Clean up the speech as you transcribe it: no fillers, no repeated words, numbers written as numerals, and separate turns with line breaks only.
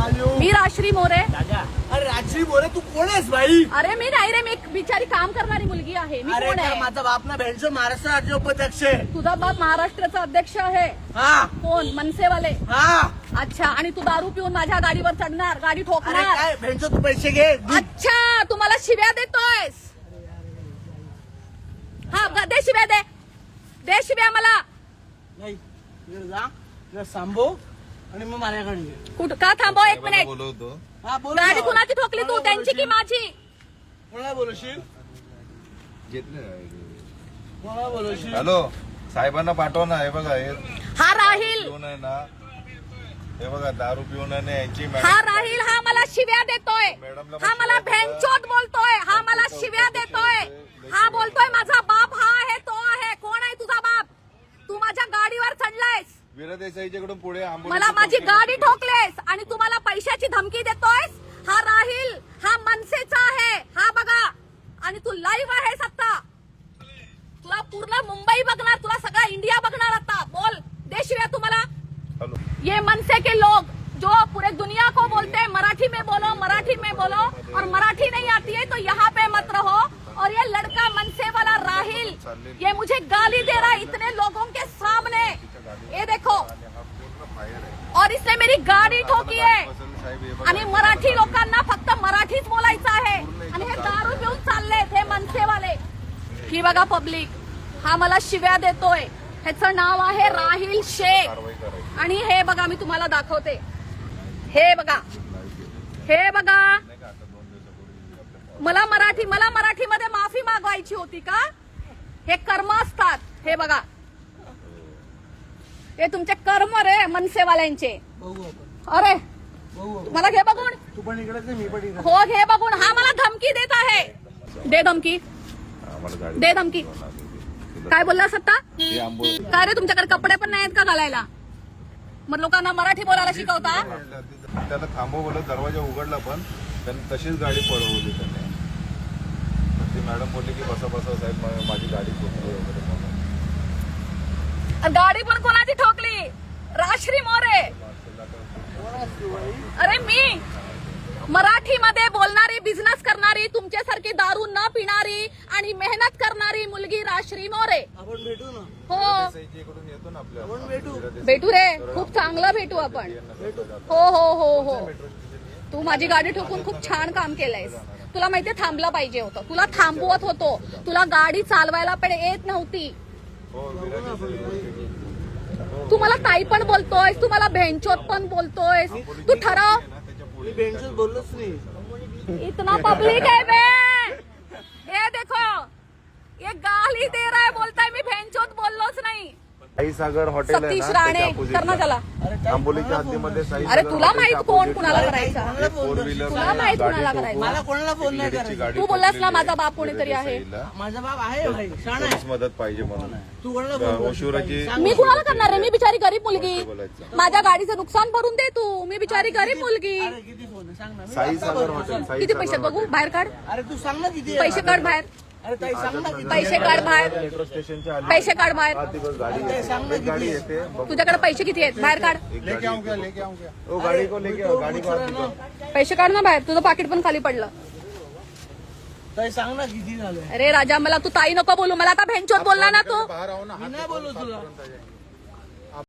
मी राश्री मोरे.
अरे राजश्री मोरे तू कोण आहेस भाई?
अरे मी नाही रे, मी एक बिचारी काम करणारी मुलगी आहे. मी कोण आहे?
माझा बाप ना भेंडचो महाराष्ट्र राज्य उपाध्यक्ष आहे.
तुझा बाप महाराष्ट्राचा अध्यक्ष आहे.
हा
कोण? मनसेवाले.
हा.
अच्छा, आणि तू दारू पिऊन माझ्या गाडीवर चढणार, गाडी
अरे
ठोकणार.
काय भेंडचो तू पैसे घे.
अच्छा, तू मला शिव्या देतोयस. हा दे शिव्या, दे शिव्या मला.
नाही इकडे जा, इकडे थांबव आणि मग माझ्याकडे ये.
कुठं का थांबव? एक मिनिट.
बोलवतो.
हा बोल.
गाडी कुणाची ठोकली तू, त्यांची की माझी?
कोणाला बोलवशील? कोणाला बोलवशील?
हॅलो, साहेबांना पाठवा ना. हे बघा, हे
हा राहील,
पिऊन आहे ना, हे बघा दारू पिऊन आहे ना यांची
हा राहील. हा मला शिव्या देतोय, हा मला भेंचोद बोलतोय, हा मला शिव्या देतोय, हा बोलतोय माझा बाप हा आहे, तो आहे. कोण आहे तुझा बाप? तू माझ्या गाडीवर चढलायस,
वीरा देसाईच्याकडून पुढे
मला माझी गाडी ठोकलेस आणि तुम्हाला पैशाची धमकी देतोयस. हा राहील, हा मनसेचा आहे, हा बघा. आणि तू लाईव्ह आहेस आता. तुला पूर्ण मुंबई बघणार, तुला सगळा इंडिया बघणार आता. बोल, दे शिव्या तुम्हाला.
हॅलो,
ये मनसे के लोग जो पूरे दुनिया को बोलते हैं मराठी में बोलो, मराठी में बोलो, और मराठी नहीं आती है तो यहाँ पे मत रहो. और ये लड़का मनसे वाला राहिल, ये मुझे गाली दे रहा है इतने लोगों के सामने. ये देखो, और इसने मेरी गाडी ठोकी आहे. आणि मराठी लोकांना फक्त मराठीच बोलायचं आहे. आणि हे दारू पिऊन चाललेत हे मनसेवाले. ही बघा पब्लिक, हा मला शिव्या देतोय. ह्याचं नाव आहे राहिल शेख. आणि हे बघा, मी तुम्हाला दाखवते. हे बघा, हे बघा. मला मराठीमध्ये माफी मागवायची होती का? हे कर्म असतात. हे बघा, हे तुमचे कर्म रे मनसेवाल्यांचे. अरे मला घे बघून.
तू पण इकडेच मी पण इकडे.
हो घे बघून. हा मला धमकी देत आहे. दे धमकी, दे धमकी. काय बोलला सत्ता? काय रे, तुमच्याकडे कपडे पण नाहीत का घालायला? मग लोकांना मराठी बोलायला शिकवता?
त्याला थांबव बोलत, दरवाजा उघडला पण त्यांनी तशीच गाडी पळवली त्याने. ती मॅडम बोलली की बसा बसा साहेब, माझी गाडी ठोकली वगैरे म्हणून.
गाडी पण कोणाची ठोकली? राश्री मोरे. अरे मी मराठीमध्ये बोलणारी, बिझनेस करणारी, तुमच्यासारखी दारू न पिणारी आणि मेहनत करणारी मुलगी राश्री मोरे.
आपण भेटू ना.
हो
इकडून येतो ना आपल्या.
आपण भेटू.
भेटू रे, खूप चांगलं भेटू आपण. हो हो हो हो. तू माझी गाडी ठोकून खूप छान काम केलंयस. तुला माहितीये थांबलं पाहिजे होतं. तुला थांबवत होतो. तुला गाडी चालवायला पण येत नव्हती. तू मला ताई पण बोलतोयस, तू मला भेंचोद पण बोलतोयस. तू ठरव.
मी भेंडचोच बोललोच नाही.
इतना पब्लिक है बे. ये देखो, ये गाली दे रहा है, बोलता है मी भेंचोद बोललोच नाही.
साई सागर हॉटेल आहे
सतीश
ना,
राणे
त्याच्या
कर ना त्याला.
आंबोलीच्या हद्दीमध्ये साई
अरे
सागर
तुला
हॉटेलच्या
माहित कोण
opposite
कुणाला
ला
करायचा?
एक four wheeler
तुला माहित
गाडी
कुणाला
ठोकून
करायचं?
मला कोणाला फोन नाही
लेडीजची
करायचा.
गाडी
तू बोललास ना
ठोकलेली
माझा
आहे.
बाप कोणीतरी आहे.
देसाईला.
माझा बाप आहे भाई, शाण आहे.
पोलीस मदत पाहिजे म्हणून.
तू कोणाला फोन
ओशिवराची
मी कुणाला करणार आहे? मी बिचारी गरीब मुलगी.
बोलायचं.
माझ्या गाडीचं नुकसान भरून दे तू. मी बिचारी गरीब मुलगी.
अरे किती फोन आहे सांग ना.
साई सागर हॉटेल. साई
किती
सागर
पैसे बघू?
हॉटेल.
बाहेर काढ.
अरे तू सांग ना किती आहे.
पैसे काढ बाहेर.
अरे ताई सांग ना किती.
पैसे काढ बाहेर.
मेट्रो स्टेशनच्या आली.
पैसे काढ बाहेर.
हा, तिकडं गाडी येते. एक गाडी येते. बघ,
तुझ्याकडे पैसे किती आहेत? बाहेर काढ.
एक गाडी येते. ओ, गाडी को लेके आओ, गाडी को आत निकाल.
पैसे काढ ना बाहेर. तुझं पाकिट पण खाली पडलं.
ताई सांग ना किती झालं.
अरे राजा, मला तू ताई नको बोलू. मला आता भेंचोद बोलला ना तू.
बाहेर आओ ना.
मी नाही बोलू तुला.